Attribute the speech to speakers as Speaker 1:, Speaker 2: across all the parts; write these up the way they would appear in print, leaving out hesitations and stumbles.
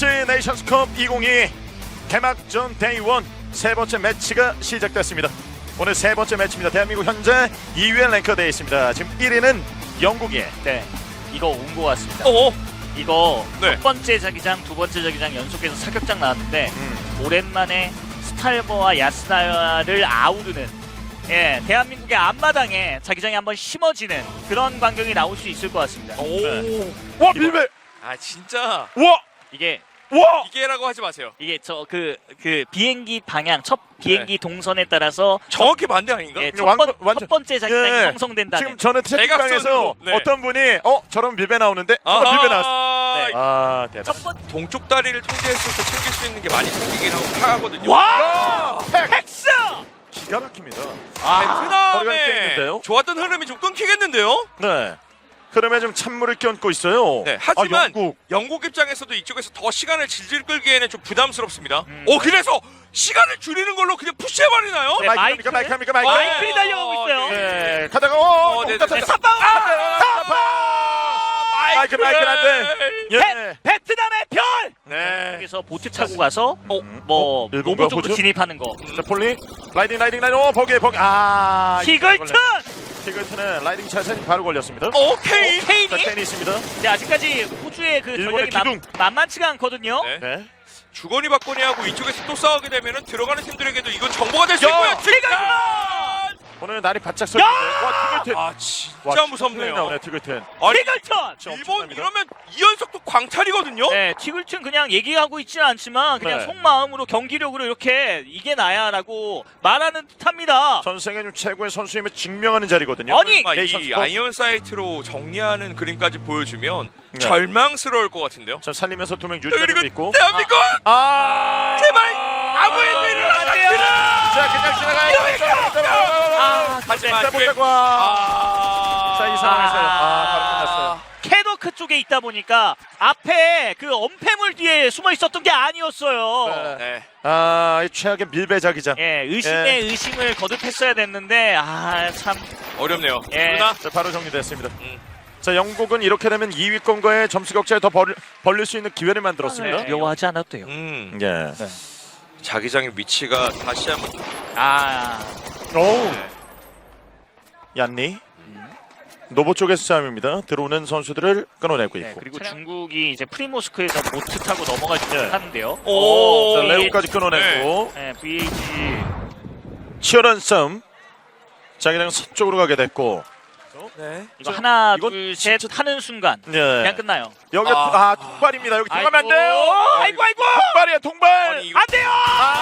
Speaker 1: PUBG 네이션스컵 2022 개막전 데이 1 세 번째 매치가 시작됐습니다. 오늘 세 번째 매치입니다. 대한민국 현재 2위에 랭크되어 있습니다. 지금 1위는 영국이에요.
Speaker 2: 네, 이거 온 것 같습니다. 이거
Speaker 3: 네.
Speaker 2: 첫 번째 자기장, 두 번째 자기장 연속해서 사격장 나왔는데 오랜만에 스탈버와 야스나야를 아우르는 대한민국의 앞마당에 자기장이 한번 심어지는 그런 광경이 나올 수 있을 것 같습니다.
Speaker 1: 와 밀배!
Speaker 3: 아 진짜
Speaker 1: 와!
Speaker 2: 이게
Speaker 1: 와!
Speaker 3: 이게라고 하지 마세요.
Speaker 2: 저 그 비행기 방향, 첫 비행기 동선에 따라서
Speaker 3: 정확히 반대 아닌가?
Speaker 2: 첫 번째 자기장이
Speaker 1: 예.
Speaker 2: 형성된다는.
Speaker 1: 지금 저는 채팅방에서
Speaker 3: 대각선으로, 네.
Speaker 1: 어떤 분이 저런 밀배 나오는데 밀배 나왔어.
Speaker 2: 네.
Speaker 1: 아 대단.
Speaker 2: 첫 번째
Speaker 3: 동쪽 다리를 통제했을 때 챙길 수 있는 게 많이 생기긴 하거든요.
Speaker 2: 와! 팩스!
Speaker 1: 기가 막힙니다.
Speaker 3: 베트남의
Speaker 1: 있는데요?
Speaker 3: 좋았던 흐름이 좀 끊기겠는데요?
Speaker 1: 네. 흐름에 좀 찬물을 끼얹고 있어요.
Speaker 3: 네, 하지만
Speaker 1: 영국.
Speaker 3: 영국 입장에서도 이쪽에서 더 시간을 질질 끌기에는 좀 부담스럽습니다. 그래서 시간을 줄이는 걸로 그냥 푸시해버리나요?
Speaker 2: 네,
Speaker 1: 마이크입니까? 마이크입니까?
Speaker 2: 마이클이 달려가고 있어요.
Speaker 1: 네. 가다가
Speaker 3: 네,
Speaker 2: 사방!
Speaker 1: 마이크 안 돼. 예.
Speaker 2: 베트남의 별!
Speaker 1: 네.
Speaker 2: 여기서 보트 타고 가서 뭐
Speaker 1: 일본
Speaker 2: 로보 쪽으로
Speaker 1: 보트?
Speaker 2: 진입하는 거.
Speaker 1: 자, 폴리 라이딩. 버기.
Speaker 2: 티글튼!
Speaker 1: 티글튼은 라이딩 차선이 바로 걸렸습니다.
Speaker 3: 오케이.
Speaker 1: 자,
Speaker 2: 케인이?
Speaker 1: 캔이 있습니다.
Speaker 2: 근데 아직까지 호주의 그
Speaker 1: 일본의
Speaker 2: 전략이
Speaker 1: 기둥.
Speaker 2: 만만치가 않거든요.
Speaker 3: 네.
Speaker 1: 네.
Speaker 3: 주거니 받거니 하고 이쪽에서 또 싸우게 되면은 들어가는 팀들에게도 이건 정보가 될 수
Speaker 1: 야!
Speaker 3: 있고요.
Speaker 2: 티글튼!
Speaker 1: 오늘 날이 바짝 서 있는데. 와, 티글튼.
Speaker 3: 아 진짜 무섭네요.
Speaker 1: 나오네, 티글튼.
Speaker 3: 아니,
Speaker 2: 티글튼!
Speaker 3: 일본 이러면 2연속도 광탈이거든요.
Speaker 2: 네, 티글튼 그냥 얘기하고 있지는 않지만 그냥
Speaker 1: 네.
Speaker 2: 속마음으로 경기력으로 이렇게 이게 나야라고 말하는 듯합니다.
Speaker 1: 전생에 좀 최고의 선수임을 증명하는 자리거든요.
Speaker 2: 아니!
Speaker 3: 이
Speaker 1: 네이션스컵.
Speaker 3: 아이언 사이트로 정리하는 그림까지 보여주면
Speaker 1: 네.
Speaker 3: 절망스러울 것 같은데요.
Speaker 1: 자, 살리면서 두 명
Speaker 3: 그리고
Speaker 1: 유지되고 있고.
Speaker 3: 대한민국 제발 아무
Speaker 2: 아,
Speaker 3: 일도 일어나지 않기를.
Speaker 1: 자, 그냥 지나가요.
Speaker 3: 하지만
Speaker 1: 자, 보자고. 자, 이 상황에서 바로 끝났어요.
Speaker 2: 캐더크 쪽에 있다 보니까 앞에 그 엄폐물 뒤에 숨어 있었던 게 아니었어요.
Speaker 1: 네.
Speaker 3: 네.
Speaker 1: 이 최악의 밀배자기장.
Speaker 2: 예, 의심에 의심을 거듭했어야 됐는데 참.
Speaker 3: 어렵네요.
Speaker 2: 예.
Speaker 3: 그러나
Speaker 1: 자, 바로 정리됐습니다. 자, 영국은 이렇게 되면 2위권과의 점수 격차에 더 벌릴 수 있는 기회를 만들었습니다.
Speaker 2: 두려워하지 않아도 돼요.
Speaker 1: 예.
Speaker 3: 자기장의 위치가 다시 한번
Speaker 1: 오. 얀니. 노보 쪽에서 싸움입니다. 들어오는 선수들을 끊어내고
Speaker 2: 네,
Speaker 1: 있고.
Speaker 2: 그리고 중국이 이제 프리모스크에서 보트 타고 넘어가지 못하는데요.
Speaker 3: 오.
Speaker 1: 자, 레오까지 끊어내고
Speaker 2: 네, VH
Speaker 1: 치열한 싸움. 자기장 서쪽으로 가게 됐고.
Speaker 3: 네.
Speaker 2: 이거 하나
Speaker 1: 이건
Speaker 2: 둘 셋 하는 순간
Speaker 1: 예.
Speaker 2: 그냥 끝나요.
Speaker 1: 여기가 통발입니다. 여기 통하면 안 돼요.
Speaker 2: 아이고.
Speaker 1: 통발이야, 통발.
Speaker 3: 아니, 이거-
Speaker 2: 안 돼요.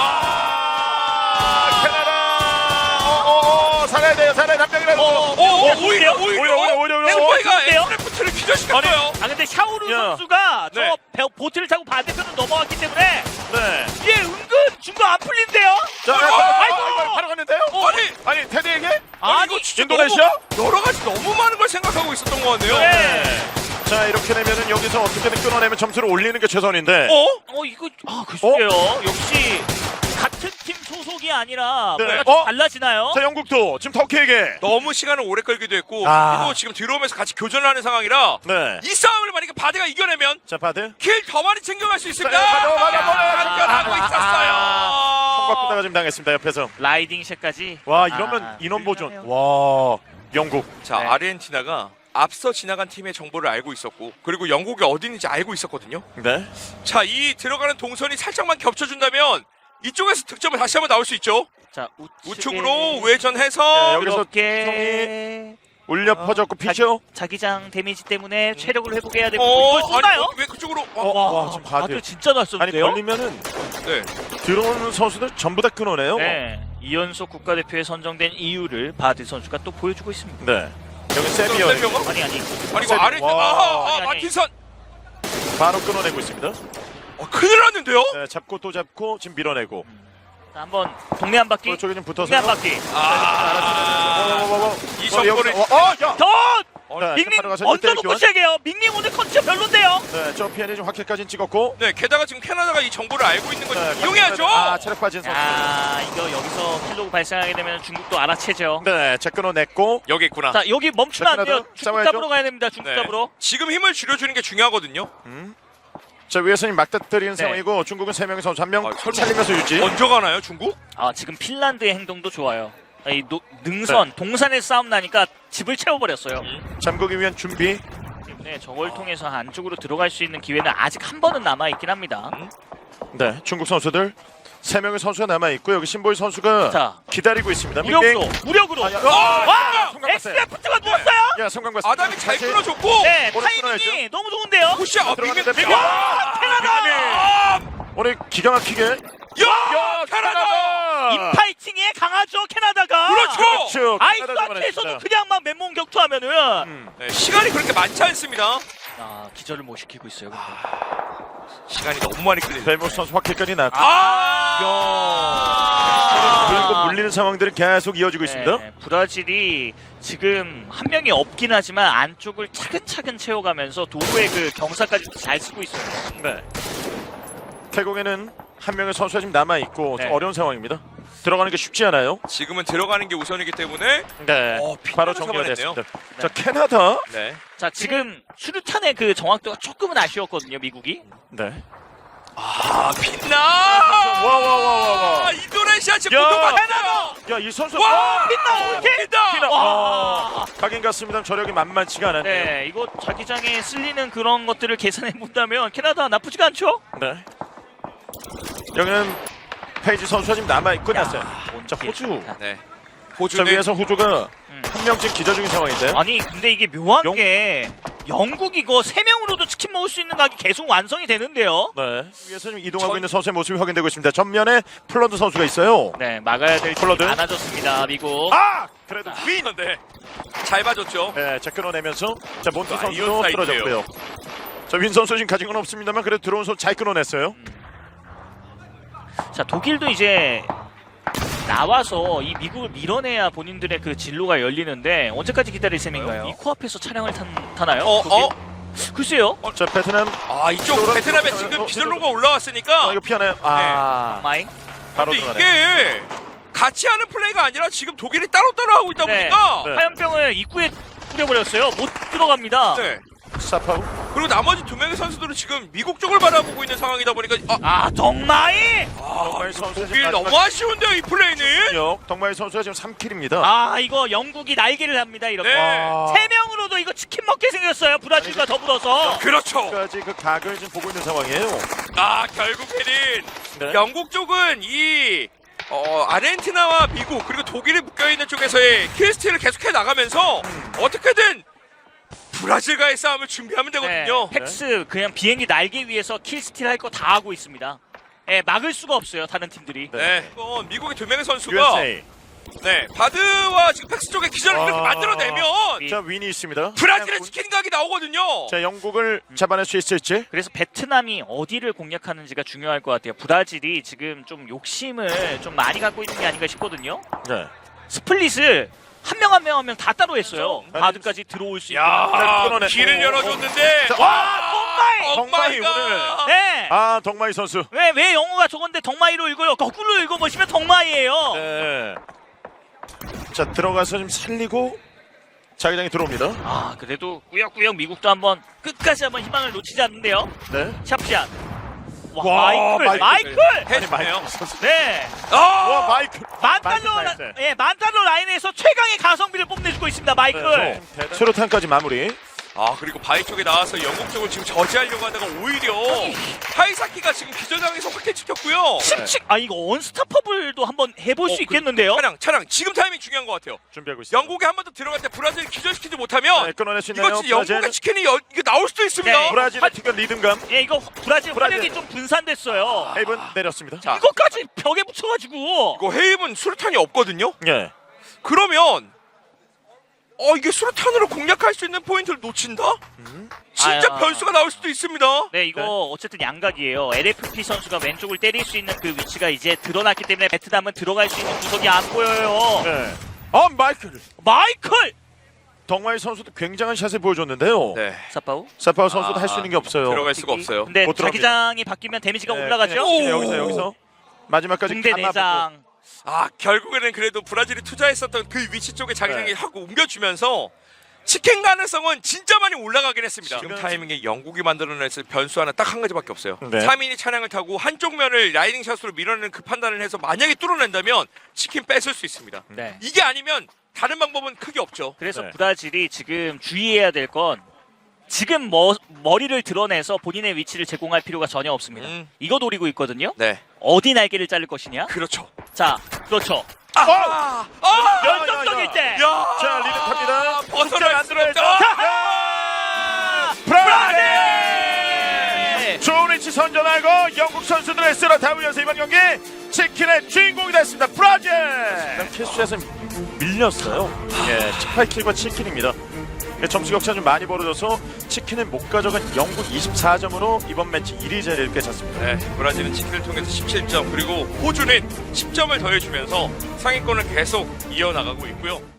Speaker 1: 캐나다. 살아야 돼요. 담장이라도.
Speaker 3: 오히려
Speaker 2: 좋은데요?
Speaker 3: 에프트를 기절시켰어요.
Speaker 2: 근데 샤오루
Speaker 1: 야.
Speaker 2: 선수가
Speaker 3: 네.
Speaker 2: 보트를 타고 반대편으로 넘어왔기 때문에
Speaker 1: 네.
Speaker 2: 이게 은근 중도 안 풀린대요.
Speaker 1: 자,
Speaker 2: 아이고.
Speaker 1: 바로 갔는데요?
Speaker 3: 아니
Speaker 1: 테디에게?
Speaker 2: 아니,
Speaker 3: 이거 진짜
Speaker 1: 인도네시아?
Speaker 3: 너무 여러 가지 너무 많은 걸 생각하고 있었던 것 같네요.
Speaker 2: 네.
Speaker 1: 자, 이렇게 되면은 여기서 어떻게든 끊어내면 점수를 올리는 게 최선인데.
Speaker 2: 이거 글쎄요. 역시 같은 팀 소속이 아니라
Speaker 1: 네.
Speaker 2: 뭔가 좀 달라지나요?
Speaker 1: 자, 영국도 지금 터키에게.
Speaker 3: 너무 시간을 오래 끌기도 했고 그리고 지금 들어오면서 같이 교전을 하는 상황이라
Speaker 1: 네.
Speaker 3: 이 싸움을 만약에 바드가 이겨내면
Speaker 1: 자, 바드.
Speaker 3: 킬 더 많이 챙겨갈 수 있을까?
Speaker 1: 바드.
Speaker 3: 당겨하고 있었어요.
Speaker 1: 총각부다가 지금 당했습니다. 옆에서.
Speaker 2: 라이딩 샷까지.
Speaker 1: 와, 이러면 인원 보존.
Speaker 2: 훌륭해요.
Speaker 1: 와, 영국.
Speaker 3: 자,
Speaker 2: 네.
Speaker 3: 아르헨티나가 앞서 지나간 팀의 정보를 알고 있었고 그리고 영국이 어디 있는지 알고 있었거든요.
Speaker 1: 네.
Speaker 3: 자, 이 들어가는 동선이 살짝만 겹쳐준다면 이쪽에서 득점을 다시 한번 나올 수 있죠.
Speaker 2: 자,
Speaker 3: 우측으로 외전해서
Speaker 1: 여기서
Speaker 2: 이렇게
Speaker 1: 울려 퍼졌고 피죠.
Speaker 2: 자기장 데미지 때문에 체력을 회복해야 되고
Speaker 3: 어,
Speaker 2: 이걸 쏘나요?
Speaker 3: 아니, 왜 그쪽으로?
Speaker 1: 와, 지금 바드.
Speaker 2: 바드 진짜 잘
Speaker 1: 아니,
Speaker 2: 쏘는데요?
Speaker 1: 걸리면은
Speaker 3: 네.
Speaker 1: 들어오는 선수들 전부 다 끊어내요.
Speaker 2: 네. 2연속 국가대표에 선정된 이유를 바드 선수가 또 보여주고 있습니다.
Speaker 1: 네. 여기 세비어
Speaker 3: 세비어가?
Speaker 2: 아니
Speaker 3: 아니 이거
Speaker 1: 세비-
Speaker 3: 아르헨티나
Speaker 1: 와.
Speaker 2: 아니.
Speaker 3: 마틴선
Speaker 1: 바로 끊어내고 있습니다.
Speaker 3: 큰일 났는데요?
Speaker 1: 네, 잡고 또 잡고 지금 밀어내고.
Speaker 2: 자, 한번 동네 한 바퀴.
Speaker 1: 저쪽에 좀
Speaker 2: 동네
Speaker 1: 붙어서.
Speaker 2: 한 바퀴.
Speaker 3: 이 정보를
Speaker 1: 야.
Speaker 2: 덧!
Speaker 1: 네,
Speaker 2: 밍밍
Speaker 1: 바로 가서
Speaker 2: 먼저
Speaker 1: 1대1
Speaker 2: 놓고
Speaker 1: 교환.
Speaker 2: 시작해요. 밍밍 오늘 컨디션 별론데요.
Speaker 1: 네, 저 피엔이 좀 확실까지 찍었고.
Speaker 3: 네, 게다가 지금 캐나다가 이 정보를 알고 있는 걸
Speaker 1: 네,
Speaker 3: 이용해야죠.
Speaker 1: 체력 빠진 선수.
Speaker 2: 이거 여기서 킬로그 발생하게 되면 중국도 알아채죠.
Speaker 1: 네, 제 끊어냈고.
Speaker 3: 여기 있구나.
Speaker 2: 자, 여기 멈추면 안 돼요.
Speaker 1: 캐나다
Speaker 2: 중국
Speaker 1: 싸워야죠.
Speaker 2: 잡으러 가야 됩니다. 중국
Speaker 3: 네.
Speaker 2: 잡으러.
Speaker 3: 지금 힘을 줄여주는 게 중요하거든요.
Speaker 1: 자 위에서는 막다뜨리는
Speaker 2: 네.
Speaker 1: 상황이고 중국은 3명의 선수 1명
Speaker 3: 아, 설마
Speaker 1: 살리면서 유지.
Speaker 3: 먼저 가나요 중국?
Speaker 2: 아 지금 핀란드의 행동도 좋아요. 이 능선 동산에 싸움 나니까 집을 채워버렸어요.
Speaker 1: 잠그기 위한 준비.
Speaker 2: 때문에 저걸 통해서 안쪽으로 들어갈 수 있는 기회는 아직 한 번은 남아 있긴 합니다.
Speaker 1: 네, 중국 선수들 3명의 선수가 남아 있고 여기 신보이 선수가
Speaker 2: 자,
Speaker 1: 기다리고 있습니다.
Speaker 2: 무력으로.
Speaker 1: 아, 야,
Speaker 2: 와!
Speaker 1: 성공 봤어요.
Speaker 2: 엑스레프트가 누웠어요?
Speaker 1: 야, 성공 봤습니다.
Speaker 3: 아담이 잘
Speaker 1: 다시
Speaker 3: 끊어줬고.
Speaker 2: 네,
Speaker 1: 오늘
Speaker 2: 타이밍이
Speaker 1: 끊어야죠.
Speaker 2: 너무 좋은데요?
Speaker 3: 푸시 아 빅맨
Speaker 1: 들어갔는데
Speaker 3: 빅맨.
Speaker 2: 캐나다!
Speaker 1: 오늘 기가 막히게
Speaker 3: 야 캐나다.
Speaker 2: 인파이팅에 강하죠 캐나다가.
Speaker 3: 그렇죠.
Speaker 2: 아이스한테서도 그냥 막 맨몸 격투하면은
Speaker 3: 네, 시간이 그렇게 많지 않습니다.
Speaker 2: 아 기절을 못 시키고 있어요. 근데.
Speaker 3: 시간이 너무 많이 끌리네.
Speaker 1: 벨모스 선수 확킬까지 났고 그리고
Speaker 2: 아!
Speaker 1: 물리는 상황들이 계속 이어지고 있습니다.
Speaker 2: 네, 브라질이 지금 한 명이 없긴 하지만 안쪽을 차근차근 채워가면서 도구의 그 경사까지 잘 쓰고 있어요.
Speaker 1: 네. 태국에는 한 명의 선수가 지금 남아 있고
Speaker 2: 네.
Speaker 1: 어려운 상황입니다. 들어가는 게 쉽지 않아요.
Speaker 3: 지금은 들어가는 게 우선이기 때문에
Speaker 1: 네. 바로
Speaker 3: 핀란드
Speaker 1: 정리가
Speaker 3: 잡아냈네요.
Speaker 1: 됐습니다. 자, 캐나다.
Speaker 3: 네.
Speaker 2: 자 지금 수류탄의 그 정확도가 조금은 아쉬웠거든요 미국이.
Speaker 1: 네.
Speaker 3: 아 빛나.
Speaker 1: 와와와와와.
Speaker 3: 인도네시아 지금
Speaker 1: 야!
Speaker 3: 고통받
Speaker 2: 캐나다!
Speaker 1: 야, 이 선수
Speaker 3: 와!
Speaker 2: 빛나!
Speaker 3: 빛나.
Speaker 2: 와!
Speaker 1: 가긴 갔습니다. 저력이 만만치가 않았네요.
Speaker 2: 네, 이거 자기장에 쓸리는 그런 것들을 계산해 본다면 캐나다 나쁘지가 않죠?
Speaker 1: 네. 여기는 페이지 선수가 지금 남아 있고 났어요. 자, 호주.
Speaker 3: 네.
Speaker 1: 자,
Speaker 3: 호주는
Speaker 1: 위에서 호주가
Speaker 2: 음.
Speaker 1: 한 명씩 기저 중인 상황인데요.
Speaker 2: 아니 근데 이게 묘한
Speaker 1: 영-
Speaker 2: 게 영국 이거 3명으로도 치킨 먹을 수 있는 각이 계속 완성이 되는데요.
Speaker 1: 네. 위에서 지금 이동하고 있는 선수의 모습이 확인되고 있습니다. 전면에 플런드 선수가 있어요.
Speaker 2: 네, 막아야 될 팀이
Speaker 1: 폴라드.
Speaker 2: 많아졌습니다, 미국.
Speaker 1: 아! 그래도 윈!
Speaker 3: 네. 잘 봐줬죠.
Speaker 1: 네, 자 끊어내면서 자 몬트
Speaker 3: 아,
Speaker 1: 선수도
Speaker 3: 이온 사이드예요.
Speaker 1: 떨어졌고요. 자 윈 선수 지금 가진 건 없습니다만 그래도 들어온 선수 잘 끊어냈어요.
Speaker 2: 자, 독일도 이제 나와서 이 미국을 밀어내야 본인들의 그 진로가 열리는데 언제까지 기다릴 셈인가요? 이 코앞에서 차량을 타나요? 독일? 글쎄요.
Speaker 1: 자 베트남
Speaker 3: 아 이쪽 베트남에 지금 기절로가 올라왔으니까.
Speaker 1: 이거 피하나요? 아
Speaker 2: 마이.
Speaker 1: 바로
Speaker 3: 근데
Speaker 1: 들어가네.
Speaker 3: 이게 같이 하는 플레이가 아니라 지금 독일이 따로 하고 있다
Speaker 2: 네.
Speaker 3: 보니까.
Speaker 1: 네.
Speaker 2: 화염병을 입구에 뿌려버렸어요. 못 들어갑니다.
Speaker 3: 네.
Speaker 1: 사파우.
Speaker 3: 그리고 나머지 2명의 선수들은 지금 미국 쪽을 바라보고 있는 상황이다 보니까
Speaker 2: 덩마이!
Speaker 1: 덕마이 선수
Speaker 3: 독일 너무 아쉬운데요 이 플레이는.
Speaker 1: 덕마이 선수가 지금 3킬입니다.
Speaker 2: 아, 이거 영국이 날개를 합니다, 이렇게.
Speaker 3: 네.
Speaker 1: 와.
Speaker 2: 3명으로도 이거 치킨 먹게 생겼어요, 브라질과 더불어서.
Speaker 3: 그렇죠.
Speaker 1: 까지 그 각을 지금 보고 있는 상황이에요.
Speaker 3: 아 결국에는
Speaker 1: 네.
Speaker 3: 영국 쪽은 이 아르헨티나와 미국 그리고 독일이 묶여있는 쪽에서의 킬스틸을 계속해 나가면서 어떻게든 브라질과의 싸움을 준비하면 되거든요.
Speaker 2: 팩스 그냥 비행기 날개 위에서 킬스틸 할 거 다 하고 있습니다. 예, 막을 수가 없어요, 다른 팀들이.
Speaker 3: 네. 이건 미국의 2명의 선수가
Speaker 1: USA.
Speaker 3: 네 바드와 지금 팩스 쪽에 기절을
Speaker 1: 아.
Speaker 3: 그렇게 만들어내면
Speaker 1: 자 윈이 있습니다.
Speaker 3: 브라질의 치킨 각이 나오거든요.
Speaker 1: 자 영국을 잡아낼 수 있을지.
Speaker 2: 그래서 베트남이 어디를 공략하는지가 중요할 것 같아요. 브라질이 지금 좀 욕심을 좀 많이 갖고 있는 게 아닌가 싶거든요.
Speaker 1: 네.
Speaker 2: 스플릿을 한 명 한 명 다 따로 했어요. 바드까지 들어올 수 있게.
Speaker 3: 야
Speaker 1: 끊어냈고.
Speaker 3: 길을 열어줬는데
Speaker 1: 자,
Speaker 2: 와,
Speaker 1: 덕마이
Speaker 3: 덕마이가
Speaker 2: 네.
Speaker 1: 아 덕마이 선수.
Speaker 2: 왜 영어가 저건데 덩마이로 읽어요? 거꾸로 읽어보시면 덩마이예요.
Speaker 1: 네. 자 들어가서 좀 살리고 자기장이 들어옵니다.
Speaker 2: 아 그래도 꾸역꾸역 미국도 한번 끝까지 한번 희망을 놓치지 않는데요.
Speaker 1: 네.
Speaker 2: 샵샷. 와,
Speaker 1: 와,
Speaker 2: 마이클.
Speaker 1: 마이클.
Speaker 3: 해주네요.
Speaker 1: 선수.
Speaker 2: 네.
Speaker 1: 와 마이클.
Speaker 2: 만달러
Speaker 1: 마이클.
Speaker 2: 예, 만달러 라인에서 최강의 가성비를 뽐내주고 있습니다. 마이클.
Speaker 1: 수류탄까지 마무리.
Speaker 3: 아 그리고 바이 쪽에 나와서 영국 쪽을 지금 저지하려고 하다가 오히려 하이사키가 지금 기절당해서 확대 찍혔고요.
Speaker 2: 심칙. 아 이거 언스타퍼블도 한번 해볼 수 있겠는데요.
Speaker 3: 차량 지금 타이밍 중요한 것 같아요.
Speaker 1: 준비하고 있습니다.
Speaker 3: 영국에 한 번 더 들어갈 때 브라질 기절시키지 못하면
Speaker 1: 네, 끊어낼 수 있나요?
Speaker 3: 이거 진짜 영국의 치킨이 이거 나올 수도 있습니다.
Speaker 2: 네.
Speaker 1: 브라질의 특별 리듬감.
Speaker 2: 예, 이거 브라질
Speaker 1: 브라질.
Speaker 2: 화력이 좀 분산됐어요.
Speaker 1: 헤이븐 내렸습니다.
Speaker 3: 자,
Speaker 2: 이거까지 벽에 붙여가지고.
Speaker 3: 이거 헤임은 수류탄이 없거든요.
Speaker 1: 예.
Speaker 3: 그러면 이게 수류탄으로 공략할 수 있는 포인트를 놓친다? 진짜
Speaker 2: 아야.
Speaker 3: 변수가 나올 수도 있습니다.
Speaker 2: 네, 이거 어쨌든 양각이에요. LFP 선수가 왼쪽을 때릴 수 있는 그 위치가 이제 드러났기 때문에 베트남은 들어갈 수 있는 구석이 안 보여요.
Speaker 1: 네. 아 마이클.
Speaker 2: 마이클!
Speaker 1: 덕마이 선수도 굉장한 샷을 보여줬는데요.
Speaker 3: 네.
Speaker 2: 사파우?
Speaker 1: 사파우 선수도 할 수 있는 게 없어요.
Speaker 3: 들어갈 수가 없어요.
Speaker 2: 근데
Speaker 1: 못 들어갑니다.
Speaker 2: 자기장이 바뀌면 데미지가
Speaker 1: 네,
Speaker 2: 올라가죠?
Speaker 1: 그냥 여기서 마지막까지
Speaker 2: 붕대
Speaker 1: 감아보고.
Speaker 2: 내장.
Speaker 3: 결국에는 그래도 브라질이 투자했었던 그 위치 쪽에 자기장이
Speaker 1: 네.
Speaker 3: 하고 옮겨주면서 치킨 가능성은 진짜 많이 올라가긴 했습니다.
Speaker 1: 지금
Speaker 3: 지금 타이밍에 영국이 만들어냈을 변수 하나 딱 한 가지밖에 없어요.
Speaker 1: 네.
Speaker 3: 3인이 차량을 타고 한쪽 면을 라이딩 샷으로 밀어내는 그 판단을 해서 만약에 뚫어낸다면 치킨 뺏을 수 있습니다.
Speaker 2: 네.
Speaker 3: 이게 아니면 다른 방법은 크게 없죠.
Speaker 2: 그래서
Speaker 1: 네.
Speaker 2: 브라질이 지금 주의해야 될 건 지금 머리를 드러내서 본인의 위치를 제공할 필요가 전혀 없습니다. 이거 노리고 있거든요.
Speaker 3: 네,
Speaker 2: 어디 날개를 자를 것이냐?
Speaker 3: 그렇죠.
Speaker 2: 자, 그렇죠. 열정적일 때.
Speaker 3: 야,
Speaker 1: 자, 리드 탑니다.
Speaker 3: 벗어날 수 없죠.
Speaker 1: 브라질! 좋은 위치 선전하고 영국 선수들의 쓸어 담으면서 이번 경기 치킨의 주인공이 됐습니다. 브라질! 캐스트에서 밀렸어요. 예, 18킬과 7킬입니다. 점수 격차 좀 많이 벌어져서 치킨은 못 가져간 영국 24점으로 이번 매치 1위 자리를 꿰찼습니다.
Speaker 3: 네, 브라질은 치킨을 통해서 17점 그리고 호주는 10점을 더해주면서 상위권을 계속 이어나가고 있고요.